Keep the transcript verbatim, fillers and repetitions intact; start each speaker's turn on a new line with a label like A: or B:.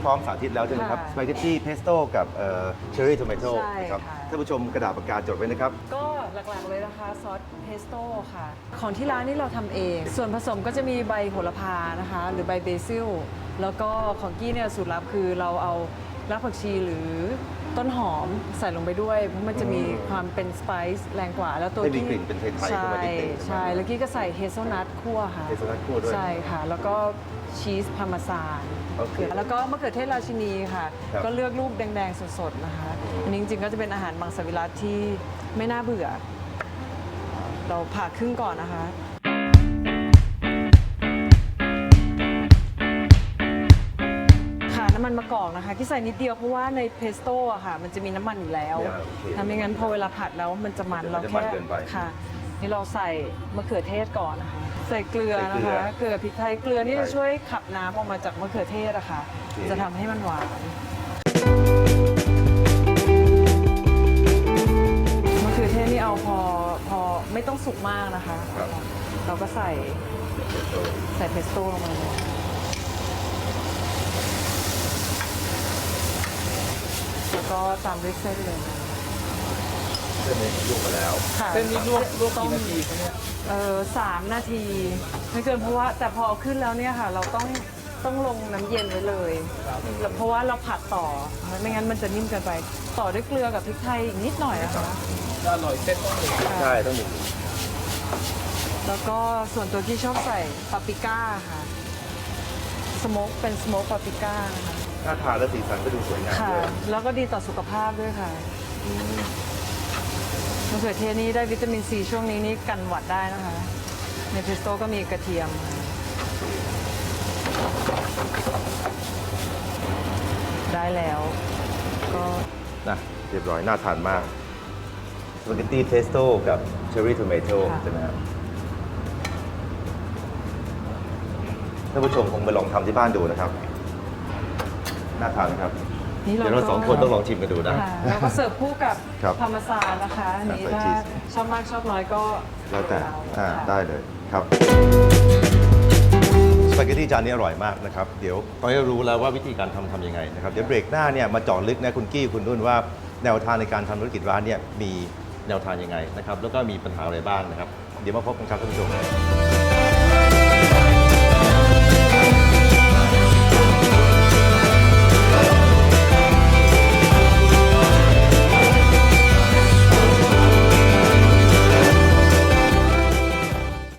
A: พร้อมสาธิตแล้วใช่ไหมครับสปาเกตตี้เพสโต้กับเชอร์รี่ทอมโต้
B: ใช่
A: นะครับ
B: ค่ะ
A: ท่านผู้ชมกระดาษปากกาจดไว้นะครับ
B: ก็หลักๆเลยนะคะซอสเพสโต้ค่ะ ของที่ร้านนี่เราทำเอง ส่วนผสมก็จะมีใบโหระพานะคะ หรือใบเบซิล แล้วก็ของกี้เนี่ยสูตรลับคือเราเอารากผักชีหรือต้นหอมใส่ลงไปด้วย เพราะมันจะมีความเป็นสไปซ์แรงกว่า แล้วตัว
A: ให้มี
B: กี้
A: กลิ่นเป็นไทยๆ
B: ใช่
A: เข้ามานิดนึง
B: ใช่ แล้วกี้ก็ใส่เฮเซลนัทคั่วค่ะ
A: เฮเซลนัทคั่วด้วย
B: ใช่ค่ะ แล้วก็ชีสพาร์เมซาน
A: โอเค
B: แล้วก็มะเขือเทศราชินีค่ะ
A: ครับ
B: ก็เลือกลูกแดงๆสดๆนะคะ อันนี้จริงๆก็จะเป็นอาหารมังสวิรัติที่ไม่น่าเบื่อ เราผ่าครึ่งก่อนนะคะ ค่ะน้ำมันมะกอกนะคะที่ใส่นิดเดียวเพราะว่าในเพสโต้อะค่ะมันจะมีน้ำมันอยู่แล้ว
A: เนี่ยโอเค
B: ทำไม่งั้นพอเวลาผัดแล้วมันจะมัน
A: มัน
B: เรา
A: จะ
B: แค่
A: มันเกินไป
B: ค่ะ นี่เราใส่มะเขือเทศก่อนนะคะใส่เกลือ
A: ใส่
B: นะ
A: เกลือ
B: คะเกลือพริกไทยเกลือนี่
A: ใช่
B: จะช่วยขับน้ำออกมาจากมะเขือเทศอะค่ะ
A: โอเค
B: จะทำให้มันหวานมะเขือเทศนี่เอาพอพอไม่ต้องสุกมากนะคะ
A: ครับ
B: เราก็ใส่ใส่เพสโต้ลงมาเลยแล้วก็ตามด้วยเส้นเลย
A: เส้นนี้ลวกมาแล้ว
B: ค่ะ
C: เส้นนี้ลวกลวก
B: ต้
C: กี่
B: อง
C: นาทีคะเนี่ย
B: เออสามนาที ไม่เกินเพราะว่าแต่พอเอาขึ้นแล้วเนี่ยค่ะ เราต้องต้องลงน้ำเย็นไว้เลยแล้วเพราะว่าเราผัดต่อ ไม่งั้นมันจะนิ่มเกินไป ต่อด้วยเกลือกับพริกไทยอีกนิดหน่อยนะคะ
C: จะอร่อยเส้นต้องเลย
A: ใช่ต้องมี
B: แล้วก็ส่วนตัวที่ชอบใส่ปาปริก้าค่ะสโมกเป็นสโมกปาปริก้านะคะ
A: หน้าทานและสีสันก็ดูสวยงาม
B: ค่ะ
A: ด้วย
B: แล้วก็ดีต่อสุขภาพด้วยค่ะมะเขือเทศนี่ได้วิตามินซีช่วงนี้นี่กันหวัดได้นะคะ ในเพสโต้ก็มีกระเทียม ได้แล้ว ก็
A: นะเรียบร้อยน่าทานมากสปาเกตตี้เพสโต้กับเชอร์รี่ทอมโต้ใช่ไหมครับท่านผู้ชมคงไปลองทำที่บ้านดูนะครับ น่าทานนะครับ
B: นี่เรา
A: เดี๋ยวเราสองคนต้องลองชิมกันดูนะ
B: ค่ะแล้วก็เสิร์ฟคู่กับ
A: ครับ
B: พาร์เมซานนะคะอันนี้
A: ใส่
B: ถ้า
A: ชีส
B: ชอบมากชอบน้อยก็
A: แล้วแต่อ่า
B: ค่ะ
A: ได้เลยครับสปาเกตตี้จานนี้อร่อยมากนะครับ เดี๋ยวตอนนี้รู้แล้วว่าวิธีการทำทำยังไงนะครับ เดี๋ยวเบรกหน้าเนี่ยมาเจาะลึกนะคุณกี้คุณนุ่นว่าแนวทางในการทำธุรกิจร้านเนี่ยมีแนวทางยังไงนะครับ แล้วก็มีปัญหาอะไรบ้างนะครับ เดี๋ยวมาพบกันครับท่านผู้ชม